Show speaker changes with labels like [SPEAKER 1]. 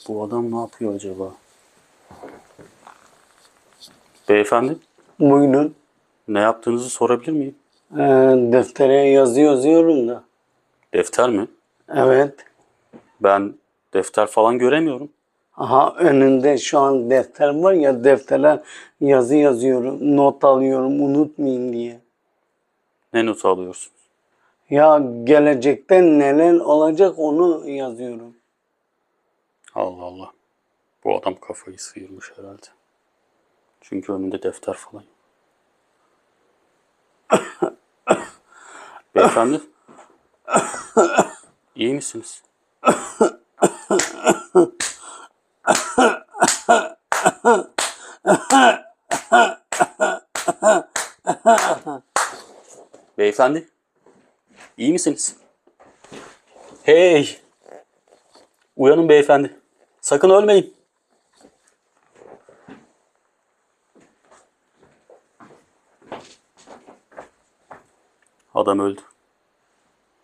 [SPEAKER 1] Bu adam ne yapıyor acaba? Beyefendi,
[SPEAKER 2] Buyurun.
[SPEAKER 1] ne yaptığınızı sorabilir miyim?
[SPEAKER 2] Deftere yazı yazıyorum da.
[SPEAKER 1] Defter mi?
[SPEAKER 2] Evet.
[SPEAKER 1] Ben defter falan göremiyorum.
[SPEAKER 2] Aha önünde şu an defter var ya, deftere yazı yazıyorum. Not alıyorum unutmayayım diye.
[SPEAKER 1] Ne notu alıyorsun?
[SPEAKER 2] Ya gelecekte neler olacak onu yazıyorum.
[SPEAKER 1] Allah Allah. Bu adam kafayı sıyırmış herhalde. Çünkü önünde defter falan yok. Beyefendi, iyi misiniz? Beyefendi, iyi misiniz? Hey! Uyanın beyefendi. Sakın ölmeyin. Adam öldü.